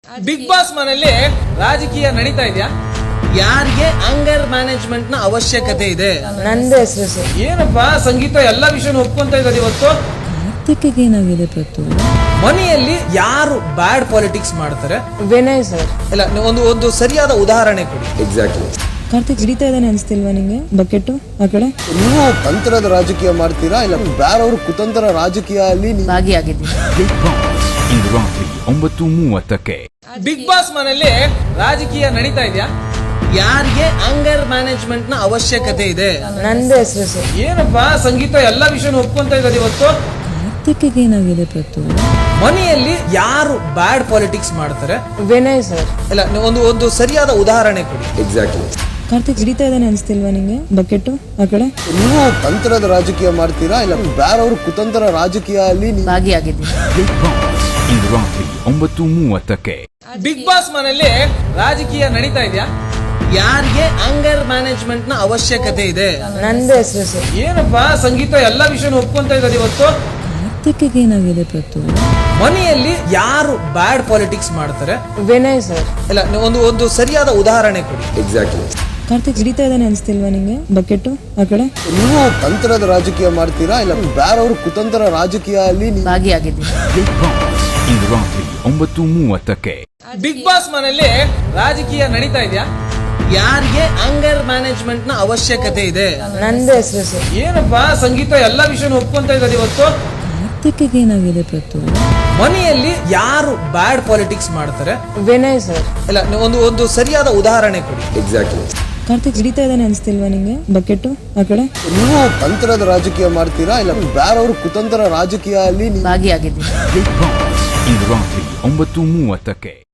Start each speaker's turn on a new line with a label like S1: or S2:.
S1: Big boss ಮನೆಯಲ್ಲಿ ರಾಜಕೀಯ ನಡೀತಾ ಇದೆಯಾ? ಯಾರಿಗೆ ಅಂಗರ್ ಮ್ಯಾನೇಜ್ಮೆಂಟ್ ನ ಅವಶ್ಯಕತೆ ಇದೆ?
S2: ನಂದೇ ಹೆಸರು ಸರ್.
S1: ಏನಪ್ಪಾ ಸಂಗೀತ ಎಲ್ಲಾ ವಿಷಯ ಒಪ್ಕೊಂತ ಇರೋದು ಇವತ್ತು.
S2: ಕಾರ್ತಿಕ್ಗೆ ಏನಾಗಿದೆ ಪ್ರತು?
S1: ಮನೆಯಲ್ಲಿ ಯಾರು ಬ್ಯಾಡ್ ಪಾಲಿಟಿಕ್ಸ್ ಮಾಡ್ತಾರೆ?
S2: ವಿನಯ್ ಸರ್.
S1: ಇಲ್ಲ, ಒಂದು ಸರಿಯಾದ ಉದಾಹರಣೆ ಕೊಡಿ.
S3: ಎಕ್ಸಾಕ್ಟ್ಲಿ.
S2: ಕಾರ್ತಿಕ್ ಹಿಡಿತಾ ಇದ್ದಾನೆ ಅನ್ಸ್ತಿಲ್ವಾ ನಿಂಗೆ? ಬಕೆಟ್ ಆ ಕಡೆ
S3: ನೀವು ತಂತ್ರದ ರಾಜಕೀಯ ಮಾಡ್ತೀರಾ ಇಲ್ಲ ಬೇರೆಯವರು ಕುತಂತ್ರ ರಾಜಕೀಯ ಅಲ್ಲಿ
S2: ಭಾಗಿಯಾಗಿದ್ದೀನಿ.
S4: ಇಂದು ರಾತ್ರಿ 9:30ಕ್ಕೆ
S1: ಬಿಗ್ ಬಾಸ್ ಮನೆಯಲ್ಲಿ ರಾಜಕೀಯ ನಡೀತಾ ಇದೆಯಾ? ಯಾರಿಗೆ ಅಂಗರ್ ಮ್ಯಾನೇಜ್ಮೆಂಟ್ ನ ಅವಶ್ಯಕತೆ ಇದೆ?
S2: ನಂದೇ ಹೆಸರು ಸರ್.
S1: ಏನಪ್ಪಾ ಸಂಗೀತ ಎಲ್ಲಾ ವಿಷಯ ಒಪ್ಕೊಂತ ಇರೋದು ಇವತ್ತು.
S2: ಕಾರ್ತಿಕ್ಗೆ ಏನಾಗಿದೆ ಪ್ರತು?
S1: ಮನೆಯಲ್ಲಿ ಯಾರು ಬ್ಯಾಡ್ ಪಾಲಿಟಿಕ್ಸ್ ಮಾಡ್ತಾರೆ?
S2: ವಿನಯ್ ಸರ್.
S1: ಇಲ್ಲ, ಒಂದು ಸರಿಯಾದ ಉದಾಹರಣೆ ಕೊಡಿ.
S3: ಎಕ್ಸಾಕ್ಟ್ಲಿ.
S2: ಕಾರ್ತಿಕ್ ಹಿಡಿತಾ ಇದ್ದಾನೆ ಅನ್ಸ್ತಿಲ್ವಾ ನಿಂಗೆ? ಬಕೆಟ್ ಆ ಕಡೆ
S3: ನೀವು ತಂತ್ರದ ರಾಜಕೀಯ ಮಾಡ್ತೀರಾ ಇಲ್ಲ ಬೇರೆಯವರು ಕುತಂತ್ರ ರಾಜಕೀಯ ಅಲ್ಲಿ
S2: ಭಾಗಿಯಾಗಿದ್ದೀನಿ.
S4: ಇಂದು ರಾತ್ರಿ 9:30ಕ್ಕೆ
S1: ಬಿಗ್ ಬಾಸ್ ಮನೆಯಲ್ಲಿ ರಾಜಕೀಯ ನಡೀತಾ ಇದೆಯಾ? ಯಾರಿಗೆ ಅಂಗರ್ ಮ್ಯಾನೇಜ್ಮೆಂಟ್ ನ ಅವಶ್ಯಕತೆ ಇದೆ?
S2: ನಂದೇ ಹೆಸರು ಸರ್.
S1: ಏನಪ್ಪಾ ಸಂಗೀತ ಎಲ್ಲಾ ವಿಷಯ ಒಪ್ಕೊಂತ ಇರೋದು ಇವತ್ತು.
S2: ಕಾರ್ತಿಕ್ಗೆ ಏನಾಗಿದೆ ಪ್ರತು?
S1: ಮನೆಯಲ್ಲಿ ಯಾರು ಬ್ಯಾಡ್ ಪಾಲಿಟಿಕ್ಸ್ ಮಾಡ್ತಾರೆ?
S2: ವಿನಯ್ ಸರ್.
S1: ಇಲ್ಲ, ಒಂದು ಸರಿಯಾದ ಉದಾಹರಣೆ ಕೊಡಿ.
S3: ಎಕ್ಸಾಕ್ಟ್ಲಿ.
S2: ಕಾರ್ತಿಕ್ ಹಿಡಿತಾ ಇದ್ದಾನೆ ಅನ್ಸ್ತಿಲ್ವಾ ನಿಂಗೆ? ಬಕೆಟ್ ಆ ಕಡೆ
S3: ನೀವು ತಂತ್ರದ ರಾಜಕೀಯ ಮಾಡ್ತೀರಾ ಇಲ್ಲ ಬೇರೆಯವರು ಕುತಂತ್ರ ರಾಜಕೀಯ ಅಲ್ಲಿ
S2: ಭಾಗಿಯಾಗಿದ್ದೀನಿ.
S4: ಇಂದು ರಾತ್ರಿ 9:30ಕ್ಕೆ
S1: ಬಿಗ್ ಬಾಸ್ ಮನೆಯಲ್ಲಿ ರಾಜಕೀಯ ನಡೀತಾ ಇದೆಯಾ? ಯಾರಿಗೆ ಅಂಗರ್ ಮ್ಯಾನೇಜ್ಮೆಂಟ್ ನ ಅವಶ್ಯಕತೆ ಇದೆ?
S2: ನಂದೇ ಹೆಸರು ಸರ್.
S1: ಏನಪ್ಪಾ ಸಂಗೀತ ಎಲ್ಲಾ ವಿಷಯ ಒಪ್ಕೊಂತ ಇರೋದು ಇವತ್ತು.
S2: ಕಾರ್ತಿಕ್ಗೆ ಏನಾಗಿದೆ ಪ್ರತು?
S1: ಮನೆಯಲ್ಲಿ ಯಾರು ಬ್ಯಾಡ್ ಪಾಲಿಟಿಕ್ಸ್ ಮಾಡ್ತಾರೆ?
S2: ವಿನಯ್ ಸರ್.
S1: ಇಲ್ಲ, ಒಂದು ಸರಿಯಾದ ಉದಾಹರಣೆ ಕೊಡಿ.
S3: ಎಕ್ಸಾಕ್ಟ್ಲಿ.
S2: ಕಾರ್ತಿಕ್ ಹಿಡಿತಾ ಇದ್ದಾನೆ ಅನ್ಸ್ತಿಲ್ವಾ ನಿಂಗೆ? ಬಕೆಟ್ ಆ ಕಡೆ
S3: ನೀವು ತಂತ್ರದ ರಾಜಕೀಯ ಮಾಡ್ತೀರಾ ಇಲ್ಲ ಬೇರೆಯವರು ಕುತಂತ್ರ ರಾಜಕೀಯ ಅಲ್ಲಿ
S2: ಭಾಗಿಯಾಗಿದ್ದೀನಿ.
S4: ಇಂದು ರಾತ್ರಿ 9:30ಕ್ಕೆ